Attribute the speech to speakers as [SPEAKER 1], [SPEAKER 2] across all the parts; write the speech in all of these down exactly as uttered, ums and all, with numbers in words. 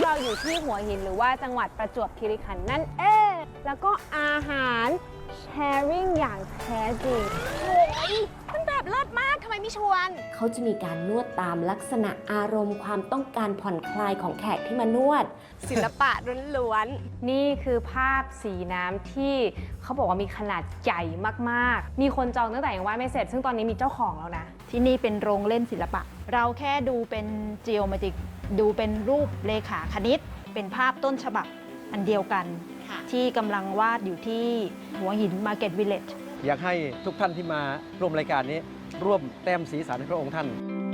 [SPEAKER 1] เราอยู่ที่หัวหินหรือว่าจังหวัดประจวบคีรีขันธ์นั่นเองแล้วก็อาหารแชร์ริ่งอย่างแท้จริง
[SPEAKER 2] โอ้ยมันแบบเลิศมากทำไมไม่ชวน
[SPEAKER 3] เขาจะมีการนวดตามลักษณะอารมณ์ความต้องการผ่อนคลายของแขกที่มานวด
[SPEAKER 2] ศิลปะล้วน
[SPEAKER 1] ๆนี่คือภาพสีน้ำที่เขาบอกว่ามีขนาดใหญ่มากๆมีคนจองตั้งแต่ยังวาดไม่เสร็จซึ่งตอนนี้มีเจ้าของแล้วนะ
[SPEAKER 4] ที่นี่เป็นโรงเล่นศิลปะเราแค่ดูเป็น geometric ดูเป็นรูปเลขาคณิตเป็นภาพต้นฉบับอันเดียวกันที่กำลังวาดอยู่ที่หัวหิน Market Village
[SPEAKER 5] อยากให้ทุกท่านที่มาร่วมรายการนี้ร่วมแต้มสีสันให้พระองค์ท่าน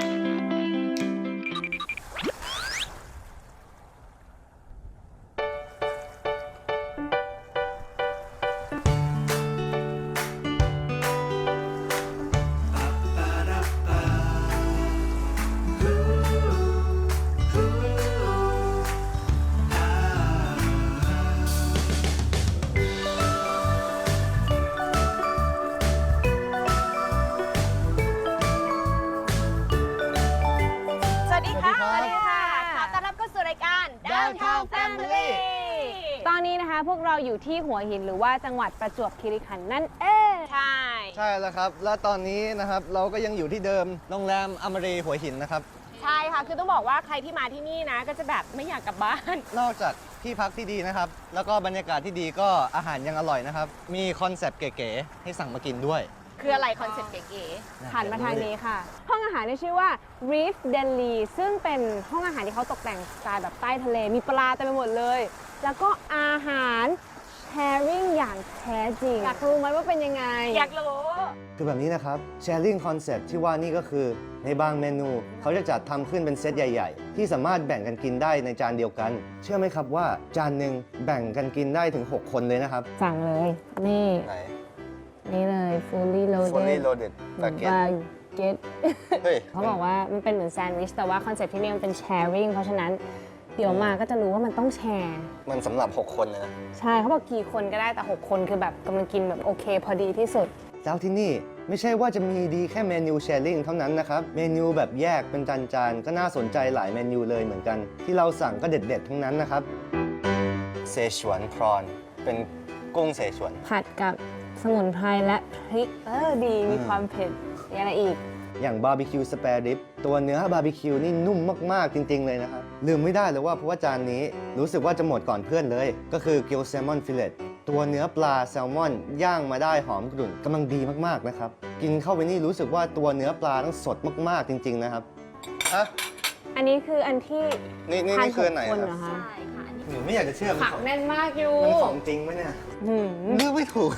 [SPEAKER 1] ตอนนี้นะคะพวกเราอยู่ที่หัวหินหรือว่าจังหวัดประจวบคีรีขันธ์นั่นเอง
[SPEAKER 2] ใช่
[SPEAKER 6] ใช่แล้วครับและตอนนี้นะครับเราก็ยังอยู่ที่เดิมโรงแรมอมรีหัวหินนะครับ
[SPEAKER 2] ใช่ค่ะคือต้องบอกว่าใครที่มาที่นี่นะก็จะแบบไม่อยากกลับบ้าน
[SPEAKER 6] นอกจากที่พักที่ดีนะครับแล้วก็บรรยากาศที่ดีก็อาหารยังอร่อยนะครับมีคอนเซปต์เก๋ๆให้สั่งมากินด้วย
[SPEAKER 2] คืออะไรคอนเซปต์เก๋
[SPEAKER 1] ๆหันมาทางนี้ค่ะห้องอาหารที่ชื่อว่า Reef Deli ซึ่งเป็นห้องอาหารที่เขาตกแต่งสไตล์แบบใต้ทะเลมีปลาเต็มไปหมดเลยแล้วก็อาหารแชร์ริ่งอย่างแท้จริงอยากรู้ไหมว่าเป็นยังไง
[SPEAKER 2] อยากรู้
[SPEAKER 6] คือแบบนี้นะครับ Sharing Concept ที่ว่านี่ก็คือในบางเมนูเขาจะจัดทำขึ้นเป็นเซตใหญ่ๆที่สามารถแบ่งกันกินได้ในจานเดียวกันเชื่อไหมครับว่าจานหนึ่งแบ่งกันกินได้ถึงหกคนเลยนะครับ
[SPEAKER 1] สั่งเลยนี่นี่เลย fully loaded
[SPEAKER 6] fully loaded
[SPEAKER 1] บาเก็ตเขาบอกว่ามันเป็นเหมือนแซนด์วิชแต่ว่าคอนเซ็ปต์ที่นี่มันเป็น sharing เพราะฉะนั้นเดี๋ยวมาก็จะรู้ว่ามันต้องแชร์
[SPEAKER 6] มันสำหรับหกคนนะ
[SPEAKER 1] ใช่เขาบอกกี่คนก็ได้แต่หกคนคือแบบกำลังกินแบบโอเคพอดีที่สุด
[SPEAKER 6] แล้วที่นี่ไม่ใช่ว่าจะมีดีแค่เมนูแชร์ริ่งเท่านั้นนะครับเมนูแบบแยกเป็นจานๆก็น่าสนใจหลายเมนูเลยเหมือนกันที่เราสั่งก็เด็ดๆทั้งนั้นนะครับเซชวนพรอนเป็นกุ้งเสฉวน
[SPEAKER 1] ผัดกับสมุนไพรและพริกเออดีมีความเผ็ดมีอะไรอีก
[SPEAKER 6] อย่างบาร์บีคิวสเปรดิปตัวเนื้อบาร์บีคิวนี่นุ่มมากๆจริงๆเลยนะครับลืมไม่ได้เลยว่าเพราะว่าจานนี้รู้สึกว่าจะหมดก่อนเพื่อนเลยก็คือกิลแซลมอนฟิลเลตตัวเนื้อปลาแซลมอนย่างมาได้หอมกรุ่นกำลังดีมากๆนะครับกินเข้าไปนี่รู้สึกว่าตัวเนื้อปลาต้องสดมากๆจริงๆนะครับฮะ
[SPEAKER 1] อันนี้คืออันที่
[SPEAKER 6] นี่นี่นี่คือไหนครับ
[SPEAKER 1] ใช่
[SPEAKER 6] ค่ะหนูไม่อยากจะเชื่อ
[SPEAKER 1] ผักแน่นมากอยู่
[SPEAKER 6] มันของจริงไหมเนี่ยเลือกไม่ถูก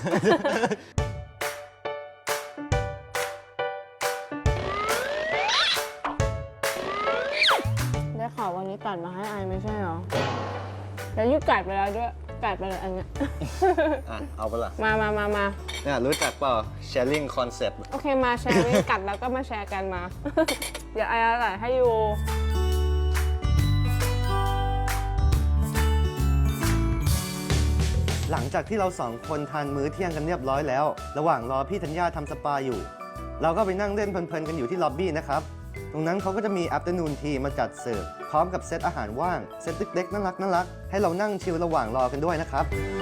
[SPEAKER 1] ได้ข่าววันนี้กัดมาให้ไอไม่ใช่หรอแล้วยุกัดไปแล้วด้วยกัดไปเลยอันเนี้ย
[SPEAKER 6] อ่ะเอาไปละ
[SPEAKER 1] มามามามา
[SPEAKER 6] เนี่ยรู้จักเปล่า sharing concept
[SPEAKER 1] โอเคมาแชร์วิ่งกัดแล้วก็มาแชร์กันมาเดี๋ยวไอเอาใส่ให้อยู่
[SPEAKER 6] หลังจากที่เราสองคนทานมื้อเที่ยงกันเรียบร้อยแล้วระหว่างรอพี่ธัญญาทำสปาอยู่เราก็ไปนั่งเล่นเพลินๆกันอยู่ที่ล็อบบี้นะครับตรงนั้นเขาก็จะมี afternoon tea มาจัดเสิร์ฟพร้อมกับเซตอาหารว่างเซตเล็กๆน่ารักน่ารักให้เรานั่งชิลระหว่างรอกันด้วยนะครับ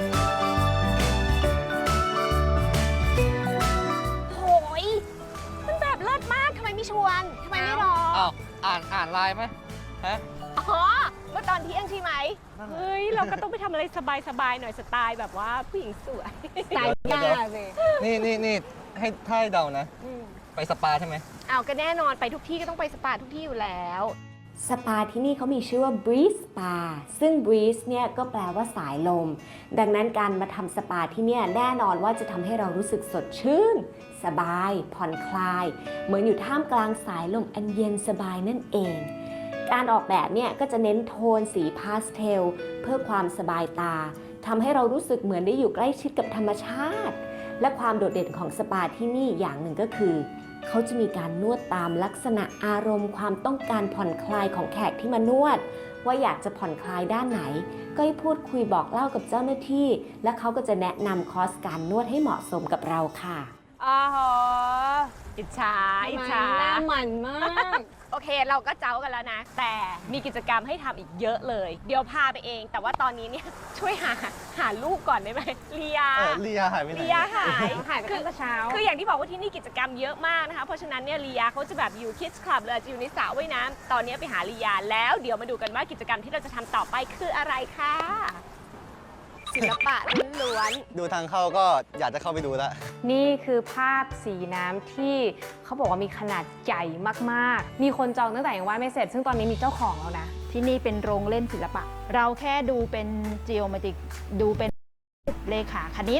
[SPEAKER 2] โอ้ยมันแบบเลิศมากทำไมไม่ชวนทำไมไม่รอ
[SPEAKER 5] อ้าวอ่านอ่านไลน์ไหมฮะ
[SPEAKER 2] อ๋อเมื่อตอนเที่ยงใช่ไหมเฮ้ยเราก็ต้องไปทำอะไรสบายๆหน่อยสไตล์แบบว่าผู้หญิงสวย
[SPEAKER 1] สไตล์กล้าสิ
[SPEAKER 6] นี่นี่นี่ให้ท่ายเดานะไปสปาใช่ไหม
[SPEAKER 2] อ้าวก็แน่นอนไปทุกที่ก็ต้องไปสปาทุกที่อยู่แล้ว
[SPEAKER 3] สปาที่นี่เขามีชื่อว่า Breeze Spa ซึ่ง Breeze เนี่ยก็แปลว่าสายลมดังนั้นการมาทำสปาที่เนี่ยแน่นอนว่าจะทำให้เรารู้สึกสดชื่นสบายผ่อนคลายเหมือนอยู่ท่ามกลางสายลมอันเย็นสบายนั่นเองการออกแบบเนี่ยก็จะเน้นโทนสีพาสเทลเพื่อความสบายตาทำให้เรารู้สึกเหมือนได้อยู่ใกล้ชิดกับธรรมชาติและความโดดเด่นของสปาที่นี่อย่างหนึ่งก็คือเขาจะมีการนวดตามลักษณะอารมณ์ความต้องการผ่อนคลายของแขกที่มานวดว่าอยากจะผ่อนคลายด้านไหนก็ให้พูดคุยบอกเล่ากับเจ้าหน้าที่และเขาก็จะแนะนำคอร์สการนวดให้เหมาะสมกับเราค่ะ
[SPEAKER 1] อ๋อ
[SPEAKER 2] อิจฉาอิจฉา
[SPEAKER 1] หน้าหมันมาก
[SPEAKER 2] โอเคเราก็เจ้ากันแล้วนะ แต่มีกิจกรรมให้ทำอีกเยอะเลย เดี๋ยวพาไปเอง แต่ว่าตอนนี้เนี่ยช่วยหาหาลูกก่อนได้ไหมเลีย
[SPEAKER 6] เออเลียหายไปไหน
[SPEAKER 2] เลียหาย
[SPEAKER 1] หายไปตั้งแต่เช้า
[SPEAKER 2] คืออย่างที่บอกว่าที่นี่กิจกรรมเยอะมากนะคะ เพราะฉะนั้นเนี่ยลียาเขาจะแบบอยู่คิดคลับเลยจะอยู่ในสระว่ายน้ำตอนนี้ไปหาลียาแล้วเดี๋ยวมาดูกันว่ากิจกรรมที่เราจะทำต่อไปคืออะไรค่ะศิลปะล้วน
[SPEAKER 6] ดูทางเข้าก็อยากจะเข้าไปดูแล้ว
[SPEAKER 1] นี่คือภาพสีน้ำที่เขาบอกว่ามีขนาดใหญ่มากๆ มีคนจองตั้งแต่ยังวาดไม่เสร็จ ซึ่งตอนนี้มีเจ้าของแล้วนะ
[SPEAKER 4] ที่นี่เป็นโรงเล่นศิลปะ เราแค่ดูเป็น geometric ดูเป็นเลขาคณิต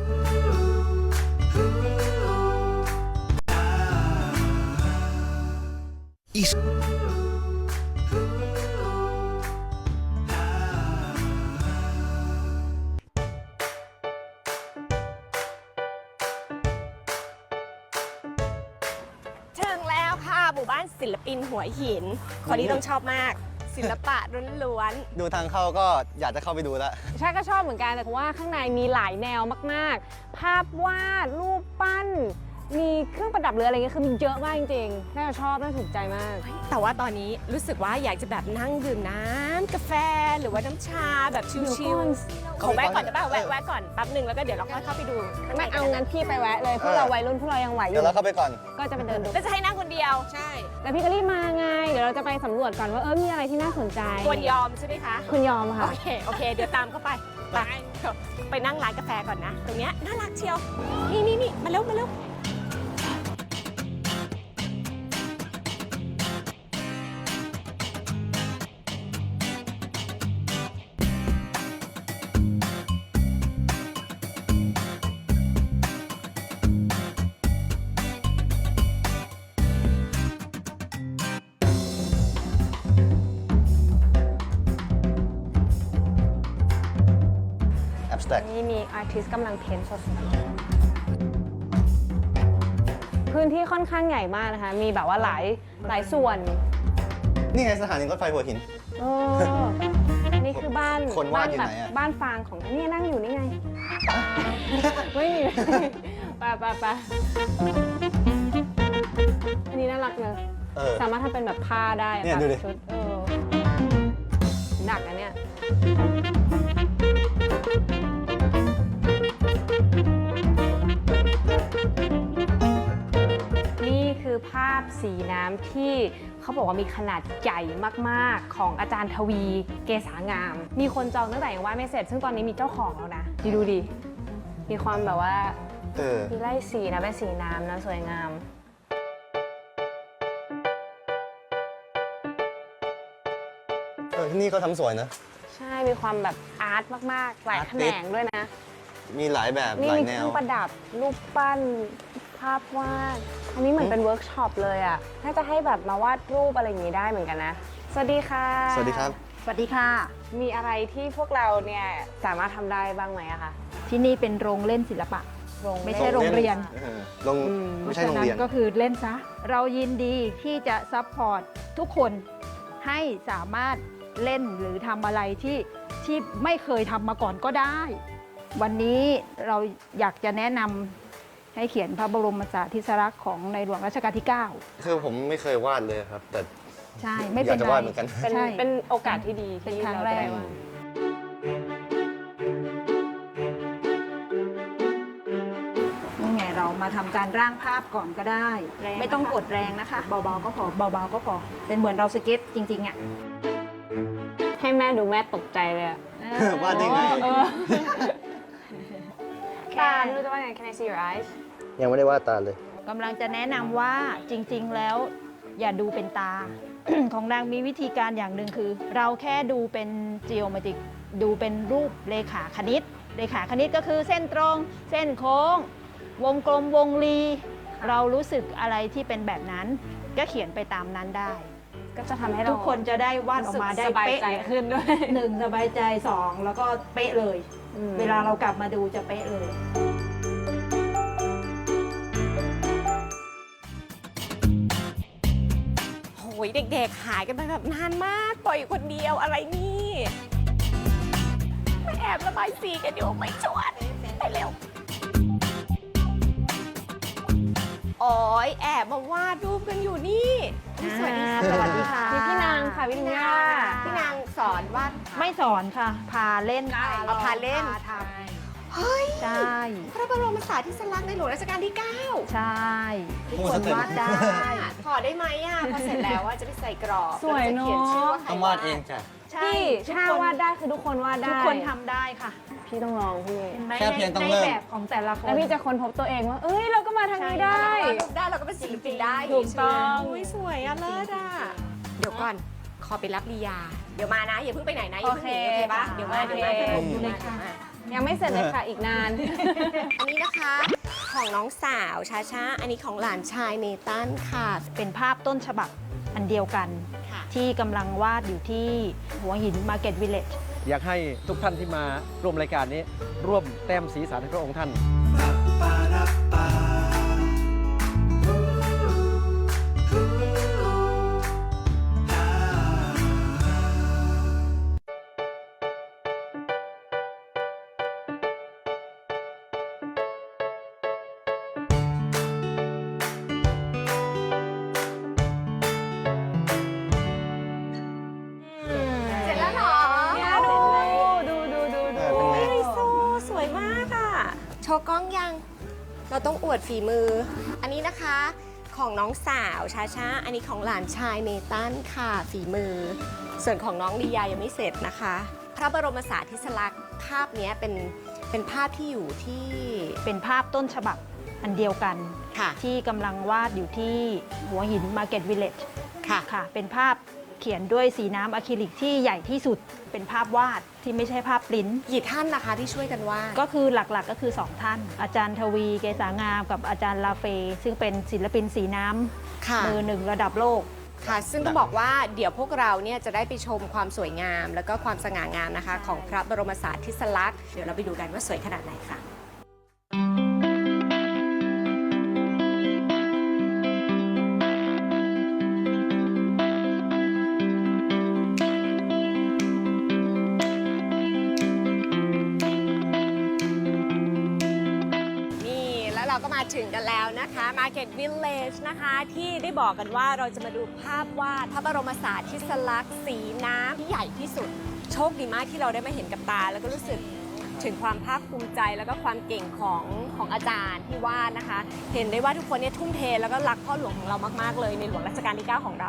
[SPEAKER 2] ๆถึงแล้วค่ะหมู่บ้านศิลปินหัวหิน คนนี้ต้องชอบมาก ศิลปะล้วน
[SPEAKER 6] ดูทางเข้าก็อยากจะเข้าไปดูแล้ว
[SPEAKER 1] ใช่ก็ชอบเหมือนกันแต่เพราะว่าข้างในมีหลายแนวมากๆ ภาพวาด รูปปั้น มีเครื่องประดับหรืออะไรเงี้ยคือมีเยอะมากจริงๆ น่าจะชอบ น่าถูกใจมาก
[SPEAKER 2] ๆแต่ว่าตอนนี้รู้สึกว่าอยากจะแบบนั่งดื่มน้ำกาแฟหรือว่าน้ำชาแบบชิลๆขอแวะก่อนได้ป่ะแวะแวะก่อนแป๊บหนึ่งแล้วก็เดี๋ยวเราค่อยเข้าไปดูข้างใน
[SPEAKER 1] ไม่เอา
[SPEAKER 2] กั
[SPEAKER 1] งั้นพี่ไปแวะเลยพวกเราวัยรุ่นพวกเรายังไหวอ
[SPEAKER 6] เดี๋ย
[SPEAKER 1] ยู่
[SPEAKER 6] วเราเข้าไปก่อน
[SPEAKER 1] ก็จะไปเดินดู
[SPEAKER 2] แล้วจะให้นั่งคนเดียวใช่
[SPEAKER 1] แต่พี่ก็รีบมาไง เดี๋ยวเราจะไปสำรวจก่อนว่าเออมีอะไรที่น่าสนใจ
[SPEAKER 2] ควรยอมใช่ไหมคะ
[SPEAKER 1] คุณยอมค่ะ
[SPEAKER 2] โอเค โอเค เดี๋ยวตามเข้าไป ไป ไปนั่งร้านกาแฟก่อนนะ ตรงเนี้ยน่ารักเชียว นี่นี่นี่มาเร็ว มาเร็ว
[SPEAKER 6] abstract
[SPEAKER 1] นี่มีอาร์ติสต์กำลังเพ้นท์สดๆพื้นที่ค่อนข้างใหญ่มากนะคะ มีแบบว่าหลายหลายส่วน
[SPEAKER 6] นี่ไงสถานีรถไฟหัวหิน
[SPEAKER 1] เออนี่คือบ้าน
[SPEAKER 6] คนวา
[SPEAKER 1] บ้า
[SPEAKER 6] ด
[SPEAKER 1] น
[SPEAKER 6] อยู่
[SPEAKER 1] แบ
[SPEAKER 6] ไห
[SPEAKER 1] บ
[SPEAKER 6] นอะ
[SPEAKER 1] บ้านฟางของนี่นั่งอยู่นี่ไง ไม่มี ไปไปไปอันนี้น่ารักเลย
[SPEAKER 6] เออ
[SPEAKER 1] สามารถทำเป็นแบบผ้าได้
[SPEAKER 6] เนี่ย
[SPEAKER 1] ตั
[SPEAKER 6] ดูดิ
[SPEAKER 1] ชุดเออหนักอันเนี้ยนี่คือภาพสีน้ำที่เขาบอกว่ามีขนาดใหญ่มากๆ ของอาจารย์ทวีเกษางาม มีคนจองตั้งแต่ยังวาดไม่เสร็จ ซึ่งตอนนี้มีเจ้าของแล้วนะดูดูดิ มีความแบบว่า
[SPEAKER 6] เออ
[SPEAKER 1] มีไล่สีนะเป็นสีน้ำนะสวยงาม
[SPEAKER 6] เออ ที่นี่เขาทำสวยนะ
[SPEAKER 1] ใช่ มีความแบบอาร์ตมากๆ หลาย
[SPEAKER 6] อาร์
[SPEAKER 1] แข
[SPEAKER 6] ติ
[SPEAKER 1] น
[SPEAKER 6] สต์
[SPEAKER 1] งด้วยนะ
[SPEAKER 6] มีหลายแบบ
[SPEAKER 1] นี่
[SPEAKER 6] หลาย
[SPEAKER 1] มี
[SPEAKER 6] แน
[SPEAKER 1] เครื่
[SPEAKER 6] ว
[SPEAKER 1] องประดับ รูปปั้น ภาพวาด อันนี้เหมือนเป็นเวิร์กช็อปเลยอ่ะ น่าจะให้แบบมาวาดรูปอะไรอย่างนี้ได้เหมือนกันนะ สวัสดีค่ะ
[SPEAKER 6] สวัสดีครับ
[SPEAKER 4] สวัสดีค่ะ
[SPEAKER 1] มีอะไรที่พวกเราเนี่ยสามารถทำได้บ้างไหมอะคะ
[SPEAKER 4] ที่นี่เป็นโรงเล่นศิลปะ
[SPEAKER 1] โรง
[SPEAKER 4] ไม่ใช่โรงเรียน
[SPEAKER 6] เออโรง
[SPEAKER 1] อืม
[SPEAKER 6] ไม่ใช่โรงเรียน
[SPEAKER 4] พาะฉะก็คือเล่นซะ เรายินดีที่จะซัพพอร์ตทุกคนให้สามารถเล่นหรือทำอะไรที่ที่ไม่เคยทำมาก่อนก็ได้ วันนี้เราอยากจะแนะนำให้เขียนพระบรมสารีริลักษณ์ของในหลวงรัชกาลที่ เก้า
[SPEAKER 6] คือผมไม่เคยวาดเลยครับ แต่
[SPEAKER 4] ใช่ไม่
[SPEAKER 6] อ
[SPEAKER 4] เป็
[SPEAKER 6] ยาน กจะ
[SPEAKER 4] ไร
[SPEAKER 6] วาดเหมือนกัน
[SPEAKER 1] เป็น
[SPEAKER 4] ใช่
[SPEAKER 1] เป็นโอกาสที่ดี
[SPEAKER 4] เป็น
[SPEAKER 1] ที่
[SPEAKER 4] ครั้ง
[SPEAKER 1] เรา
[SPEAKER 4] แร
[SPEAKER 1] จะ
[SPEAKER 4] ก
[SPEAKER 1] ได้วาด
[SPEAKER 4] นี่ไงเรามาทำการร่างภาพก่อนก็ได้
[SPEAKER 1] แรงนะคะ
[SPEAKER 4] ไม่ต้องกดแรงนะคะ เบาๆก็พอเบาๆก็พอ เป็นเหมือนเราสเก็ตจริงๆอ่ะ
[SPEAKER 1] ให้แม่ดูแม่ตกใจเลยอะ
[SPEAKER 6] วาดได้ไง
[SPEAKER 1] เออตาไม่รู้จะว่าไง Can I see your eyes
[SPEAKER 6] ยังไม่ได้วาดตาเลย
[SPEAKER 4] กำลังจะแนะนำว่าจริงๆแล้วอย่าดูเป็นตา ของนางมีวิธีการอย่างหนึ่งคือ เราแค่ดูเป็น geometric ดูเป็นรูปเลขาคณิต เลขาคณิตก็คือเส้นตรง เส้นโค้ง วงกลมวงรี เรารู้สึกอะไรที่เป็นแบบนั้น ก็เขียนไปตามนั้นได้
[SPEAKER 1] ก็จะทำให้เรา
[SPEAKER 4] ทุกคนจะได้วาดออกมาได้
[SPEAKER 1] สบาย
[SPEAKER 4] เป๊ะ
[SPEAKER 1] ใจขึ้นด้วย
[SPEAKER 4] หนึ่งสบายใจสองแล้วก็เป๊ะเลย
[SPEAKER 1] อืม
[SPEAKER 4] เวลาเรากลับมาดูจะเป๊ะเลย
[SPEAKER 2] โหยเด็กๆ หายกันไปแบบนานมาก ปล่อยอยู่คนเดียวอะไรนี่มาแอบระบายสีกันอยู่ไม่ชวนไปเร็วโอ้ยแอบมาวาดรูปกันอยู่นี่สวัสดีค่ะ
[SPEAKER 4] สวัสดีค่ะ
[SPEAKER 1] มีพี่นางค่ะพี่นาง
[SPEAKER 2] พี่นางสอนวาด
[SPEAKER 4] ไม่สอนค่ะ พาเล่น
[SPEAKER 2] เอาพาเล่น
[SPEAKER 4] พาท
[SPEAKER 2] เฮ้ย
[SPEAKER 4] ำใช่
[SPEAKER 2] พระบรมสารีริกธาตุในหลวงรัชกาลที่ เก้า
[SPEAKER 4] ใช่
[SPEAKER 6] โอ้
[SPEAKER 4] ทุก
[SPEAKER 6] โห
[SPEAKER 4] คน
[SPEAKER 6] สเต็ป
[SPEAKER 4] วาดได้
[SPEAKER 2] ขอได้ไหมอ่ะ พอเสร็จแล้วว่าจะไปใส่กรอบ
[SPEAKER 1] สวยเนอะ
[SPEAKER 2] แล้จขีชื่ว่าใคร
[SPEAKER 6] ต้องวาดเองจ้ะ
[SPEAKER 4] ใช่
[SPEAKER 1] พี่
[SPEAKER 4] ทุก
[SPEAKER 1] ถ้า
[SPEAKER 4] คน
[SPEAKER 1] วาดได้คือทุกคนวาดได้
[SPEAKER 4] ทุกคนทำได้ค่ะ
[SPEAKER 1] พี่ต้องลองพี่
[SPEAKER 4] ใน
[SPEAKER 6] แค่เพียงต้อง
[SPEAKER 4] ใน
[SPEAKER 6] เริ่ม
[SPEAKER 4] แบบของแต่ละคน
[SPEAKER 1] แล้วพี่จะค้นพบตัวเองว่า เอ้ย เราก็มาทางนี้ได้
[SPEAKER 2] เรารูปได้เราก็เป็นศิลปินได้
[SPEAKER 1] ถูกต้อง
[SPEAKER 2] อุ้ยสวยอ่ะเลิศอ่ะเดี๋ยวก่อนขอไปรับลียา เดี๋ยวมานะอย่าเพิ่งไปไหนนะอย่าเพิ่งหนี
[SPEAKER 1] โอ
[SPEAKER 2] โอ
[SPEAKER 1] เค
[SPEAKER 2] เคปะเดี๋ยวมาเดี๋ยวมา
[SPEAKER 1] โอเค
[SPEAKER 2] เดี๋ยวมาอยู่เลยค่ะ
[SPEAKER 1] ยังไม่เสร็จเลยค่ะอีกนาน
[SPEAKER 2] อันนี้นะคะของน้องสาวชาชาอันนี้ของหลานชายเนตันค่ะ
[SPEAKER 4] เป็นภาพต้นฉบับอันเดียวกัน
[SPEAKER 2] ค่ะ
[SPEAKER 4] ที่กำลังวาดอยู่ที่หัวหิน Market Village
[SPEAKER 5] อยากให้ทุกท่านที่มาร่วมรายการนี้ ร่วมแต้มสีสันให้พระองค์ท่าน
[SPEAKER 2] เสร็จแล้วเหรอ
[SPEAKER 1] เนี่ยดูดูดูดูดู
[SPEAKER 6] เออเป็นไง
[SPEAKER 2] ไฮโซสวยมากอ่ะ โชว์กล้องยัง เราต้องอวดฝีมือ อันนี้นะคะของน้องสาวชาชาอันนี้ของหลานชายเนตันค่ะฝีมือ ส่วนของน้องลียายังไม่เสร็จนะคะ พระบรมสารีริกธาตุภาพเนี้ยเป็นเป็นภาพที่อยู่ที่
[SPEAKER 4] เป็นภาพต้นฉบับอันเดียวกัน
[SPEAKER 2] ค่ะ
[SPEAKER 4] ที่กำลังวาดอยู่ที่หัวหิน Market Village
[SPEAKER 2] ค่ะ
[SPEAKER 4] ค่ะ เป็นภาพเขียนด้วยสีน้ำอะคริลิกที่ใหญ่ที่สุด เป็นภาพวาดที่ไม่ใช่ภาพปริ้นท์
[SPEAKER 2] กี่ท่านนะคะที่ช่วยกันวาด
[SPEAKER 4] ก็คือหลักๆก็คือ สอง ท่าน อาจารย์ทวี เกษางาม กับอาจารย์ลาเฟ ซึ่งเป็นศิลปินสีน้
[SPEAKER 2] ค่ะ
[SPEAKER 4] ำมือหนึ่งระดับโลก
[SPEAKER 2] ค่ะ ซึ่งต้องบอกว่าเดี๋ยวพวกเราเนี่ยจะได้ไปชมความสวยงาม แล้วก็ความสง่างามนะคะ ของพระบรมสารีริกธาตุเดี๋ยวเราไปดูกันว่าสวยขนาดไหนค่ะ นี่แล้วเราก็มาถึงกันแล้วนะคะ Market Village นะคะ ที่ได้บอกกันว่าเราจะมาดูภาพวาดพระบรมสารีริกธาตุสีน้ำที่ใหญ่ที่สุด โชคดีมากที่เราได้มาเห็นกับตา แล้วก็รู้สึกถึงความภาคภูมิใจแล้วก็ความเก่งของของอาจารย์ที่วาดนะคะ เห็นได้ว่าทุกคนเนี่ยทุ่มเทแล้วก็รักพ่อหลวงของเรามากๆเลยในหลวงรัชกาลที่ เก้า ของเรา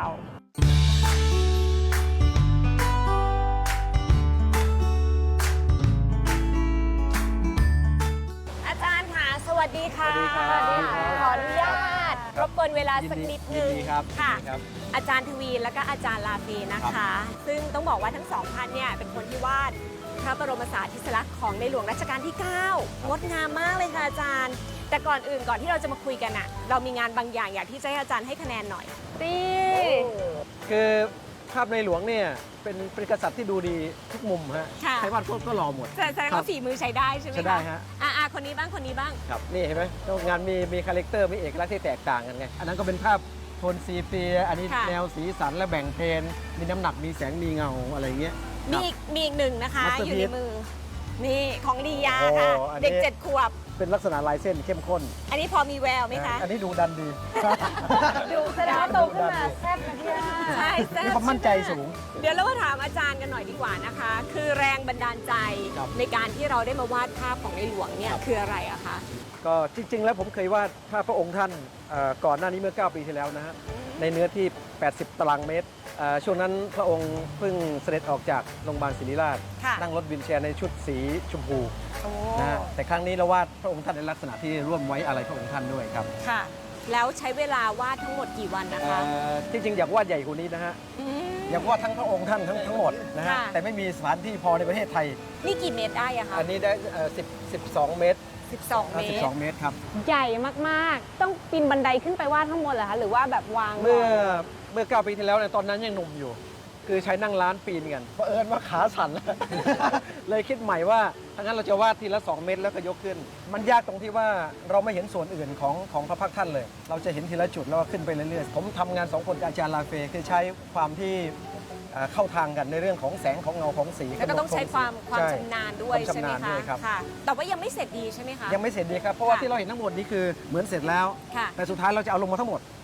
[SPEAKER 2] อาจารย์ค่ะ สวัสดีค่ะ
[SPEAKER 5] สวัสดีครับ
[SPEAKER 2] ขออนุญาตรบกวนเวลาสักนิดนึง
[SPEAKER 5] ยินดีครับ
[SPEAKER 2] ค่ะ
[SPEAKER 5] ยินดีครับ
[SPEAKER 2] อาจารย์ทวีและก็อาจารย์ลาฟีนะคะ ซึ่งต้องบอกว่าทั้งสองท่านเนี่ยเป็นคนที่วาดพระบรมสารีริกธาตุของในหลวงรัชกาลที่ เก้างดงามมากเลยค่ะอาจารย์ แต่ก่อนอื่นก่อนที่เราจะมาคุยกันอะเรามีงานบางอย่างอยากที่จะให้อาจารย์ให้คะแนนหน่อย
[SPEAKER 1] ตี
[SPEAKER 5] คือภาพในหลวงเนี่ยเป็นเป็นกษัตริย์ที่ดูดีทุกมุมฮะ
[SPEAKER 2] ค่ะ
[SPEAKER 5] ใครวาดก็ก็หล่อหมด
[SPEAKER 2] แสดงว่าฝีมือใช้ได้ใช่ไหมคะ
[SPEAKER 5] ใช้ได้ฮะ
[SPEAKER 2] อ่าคนนี้บ้างคนนี้บ้าง
[SPEAKER 5] ครับนี่เห็นไหมงานมีมีคาแรคเตอร์มีเอกลักษณ์ที่แตกต่างกันไง อันนั้นก็เป็นภาพโทนซีเปีย อันนี้
[SPEAKER 2] ค่ะ
[SPEAKER 5] แนวสีสันและแบ่งเพนมีน้ำหนักมีแสงมีเงาอะไรเงี้ย
[SPEAKER 2] มีอีกมีอีกหนึ่งนะคะ
[SPEAKER 5] Masterpiece
[SPEAKER 2] อยู่ในมือ นี่ของลียา
[SPEAKER 5] โอ้โห
[SPEAKER 2] ค่ะ
[SPEAKER 5] อันนี้
[SPEAKER 2] เด็กเจ็ดขวบ
[SPEAKER 5] เป็นลักษณะลายเส้นเข้มข้น
[SPEAKER 2] อันนี้พอมีแววไหมคะ
[SPEAKER 5] อันนี้ดูดันดี
[SPEAKER 1] ดูแสดงว่าโตขึ้นมาแซ่บนะพี่ย่า
[SPEAKER 2] ใช่แซ่บ
[SPEAKER 5] มีความมั่นใจสูง
[SPEAKER 2] เดี๋ยวเรามาถามอาจารย์กันหน่อยดีกว่านะคะ คือแรงบันดาลใจ
[SPEAKER 5] ครับ
[SPEAKER 2] ในการที่เราได้มาวาดภาพของในหลวงเนี่ย
[SPEAKER 5] ครับ
[SPEAKER 2] คืออะไรอะคะ
[SPEAKER 5] ก็จริง ๆ แล้วผมเคยวาดภาพพระองค์ท่านเอ่อก่อนหน้านี้เมื่อ เก้า ปีที่แล้วนะฮะในเนื้อที่ แปดสิบ ตารางเมตรเอ่อช่วงนั้นพระองค์เพิ่งเสด็จออกจากโรงพยาบาลศิริราช
[SPEAKER 2] ค่ะ
[SPEAKER 5] นั่งรถวินแชร์ในชุดสีชมพู
[SPEAKER 2] โอ้
[SPEAKER 5] นะฮะแต่ครั้งนี้เราวาดพระองค์ท่านในลักษณะที่ร่วมไว้อะไรพระองค์ท่านด้วยครับ
[SPEAKER 2] ค่ะ แล้วใช้เวลาวาดทั้งหมดกี่วันนะ
[SPEAKER 5] เอ่
[SPEAKER 2] คะ
[SPEAKER 5] อที่จริงอยากวาดใหญ่กว่านี้นะฮะ
[SPEAKER 2] ม
[SPEAKER 5] อยากวาดทั้งพระองค์ท่านทั้งทั้งหมดนะฮะ
[SPEAKER 2] ค่ะ
[SPEAKER 5] แต่ไม่มีสถานที่พอในประเทศไทย
[SPEAKER 2] นี่กี่เมตรได้อะคะ
[SPEAKER 5] อันนี้ได้เอ่อสิบ สิบสอง เมตร
[SPEAKER 2] สิบสอง
[SPEAKER 5] เอ่
[SPEAKER 2] เม
[SPEAKER 5] อสิ
[SPEAKER 2] ต
[SPEAKER 5] บ
[SPEAKER 2] ร
[SPEAKER 5] สอง เมตรครับ
[SPEAKER 1] ใหญ่มากๆ ต้องปีนบันไดขึ้นไปวาดข้างบนเหรอคะ หรือว่าแบบวาง
[SPEAKER 5] เมื่อเมื่อ เก้า ปีที่แล้วเนี่ยตอนนั้นยังหนุ่มอยู่ คือใช้นั่งร้านปีนกันเพราะเอิญว่าขาสั่น เลยคิดใหม่ว่าถ้างั้นเราจะวาดทีละ สอง เมตรแล้วก็ยกขึ้น มันยากตรงที่ว่าเราไม่เห็นส่วนอื่นของของพระพักตร์ท่านเลย เราจะเห็นทีละจุดแล้วก็ขึ้นไปเรื่อยๆ ผมทำงานสองคนกับอาจารย์ลาเฟคือใช้ความที่เอ่อเข้าทางกันในเรื่องของแสงของเงาของสี
[SPEAKER 2] แล้วก็ต้องใช้ความความ
[SPEAKER 5] ใช่
[SPEAKER 2] ชำนาญด้วย
[SPEAKER 5] ความ
[SPEAKER 2] ใช่ไหม
[SPEAKER 5] ชำนาญ
[SPEAKER 2] คะ
[SPEAKER 5] ด้วยครับ
[SPEAKER 2] ค่ะ แต่ว่ายังไม่เสร็จดีใช่ไหมคะ
[SPEAKER 5] ยังไม่เสร็จดีครับ เพราะว่า
[SPEAKER 2] ค่ะ
[SPEAKER 5] ที่เราเห็นทั้งหมดนี้คือเหมือนเสร็จแล้ว
[SPEAKER 2] ค่ะ
[SPEAKER 5] แต่สุดท้ายเราจะเอาลงมาทั้งหมด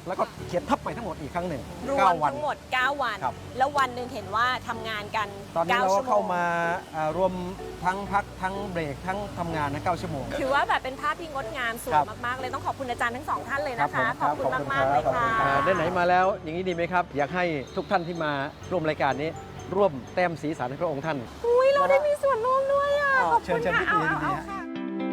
[SPEAKER 5] แล้วก็เขียนทับใหม่ทั้งหมดอีกครั้งหนึ่ง
[SPEAKER 2] รวม
[SPEAKER 5] เก้าวัน
[SPEAKER 2] ทั้งหมด เก้า วัน
[SPEAKER 5] ครับ
[SPEAKER 2] แล้ววันหนึ่งเห็นว่าทำงานกัน
[SPEAKER 5] ตอนนี้
[SPEAKER 2] เก้า
[SPEAKER 5] เราก็
[SPEAKER 2] ชั่วโม
[SPEAKER 5] เข้าง มาอ่ารวมทั้งพักทั้งเบรกทั้งทำงานนะเก้าชั่วโมง
[SPEAKER 2] ถือว่าแบบเป็นภาพที่งดงามสว
[SPEAKER 5] ครั
[SPEAKER 2] ย
[SPEAKER 5] บ
[SPEAKER 2] มากๆเลยต้องขอบคุณอาจารย์ทั้งสองท่านเลย
[SPEAKER 5] ครับ
[SPEAKER 2] นะคะ
[SPEAKER 5] ผม
[SPEAKER 2] ขอบคุณ
[SPEAKER 5] ครับ
[SPEAKER 2] มากๆเลยค่ะ
[SPEAKER 5] อ่าได้ไหนมาแล้วอย่างนี้ดีไหมครับ อยากให้ทุกท่านที่มาร่วมรายการนี้ ร่วมแต้มสีสันให้พระองค์ท่าน
[SPEAKER 2] อุ้ยเราได้มีส่วนร่วมด้วยอ่ะ
[SPEAKER 5] อ๋อ
[SPEAKER 2] ขอบ
[SPEAKER 5] เชิ
[SPEAKER 2] คุ
[SPEAKER 5] ญ
[SPEAKER 2] ณ
[SPEAKER 5] เชิญ
[SPEAKER 2] ค่ะ
[SPEAKER 5] ยินดี
[SPEAKER 2] เอา
[SPEAKER 5] ยินดี
[SPEAKER 2] เอา
[SPEAKER 5] ฮะ
[SPEAKER 2] ค่ะ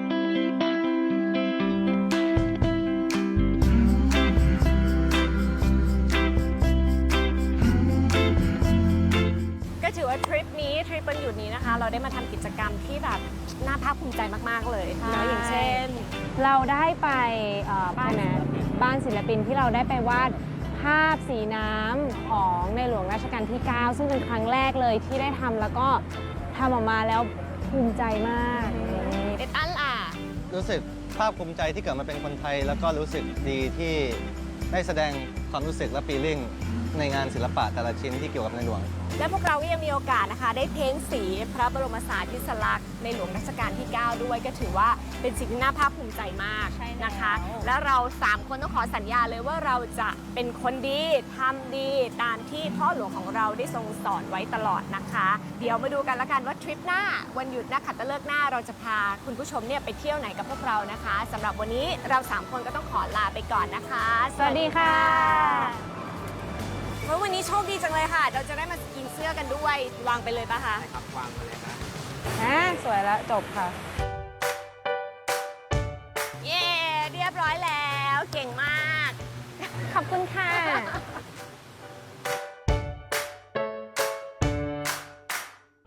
[SPEAKER 2] ก็ถือว่าทริปนี้ทริปวันหยุดนี้นะคะ เราได้มาทำกิจกรรมที่แบบน่าภาคภูมิใจมากๆเลย
[SPEAKER 1] ใช่
[SPEAKER 2] นะอย่างเช่น
[SPEAKER 1] เราได้ไปเอ่อบ้านนะบ้านศิลปินที่เราได้ไปวาดภาพสีน้ำของในหลวงรัชกาลที่ เก้า ซึ่งเป็นครั้งแรกเลยที่ได้ทำแล้วก็ทำออกมาแล้วภูมิใจมาก
[SPEAKER 2] เด็ดอันล่ะ
[SPEAKER 6] รู้สึกภาคภูมิใจที่เกิดมาเป็นคนไทย แล้วก็รู้สึกดีที่ได้แสดงความรู้สึกและฟีลลิ่งในงานศิลปะแต่ละชิ้นที่เกี่ยวกับในหลวง
[SPEAKER 2] และพวกเราก็ยังมีโอกาสนะคะ ได้เพ้นสีพระบรมสารีริสลักษณ์ในหลวงรัชกาลที่ เก้า ด้วยก็ถือว่าเป็นสิ่งที่น่าภาคภูมิใจมาก
[SPEAKER 1] ใช่แล้ว
[SPEAKER 2] นะคะ และเราสามคนต้องขอสัญญาเลยว่าเราจะเป็นคนดีทำดีตามที่พ่อหลวงของเราได้ทรงสอนไว้ตลอดนะคะ เดี๋ยวมาดูกันละกันว่าทริปหน้าวันหยุดนักขัตฤกษ์หน้าเราจะพาคุณผู้ชมเนี่ยไปเที่ยวไหนกับพวกเรานะคะสำหรับวันนี้เราสามคนก็ต้องขอลาไปก่อนนะคะ
[SPEAKER 1] สวัสดีค่ะ
[SPEAKER 2] เพราะวันนี้โชคดีจังเลยค่ะ เราจะได้มากินเสื้อกันด้วย วางไปเลยปะคะ
[SPEAKER 5] ครับวางมาเลยนะ
[SPEAKER 1] อ่ะสวยแล้วจบค่ะ
[SPEAKER 2] เย้ เรียบร้อยแล้ว เก่งมาก
[SPEAKER 1] ขอบคุณค่ะ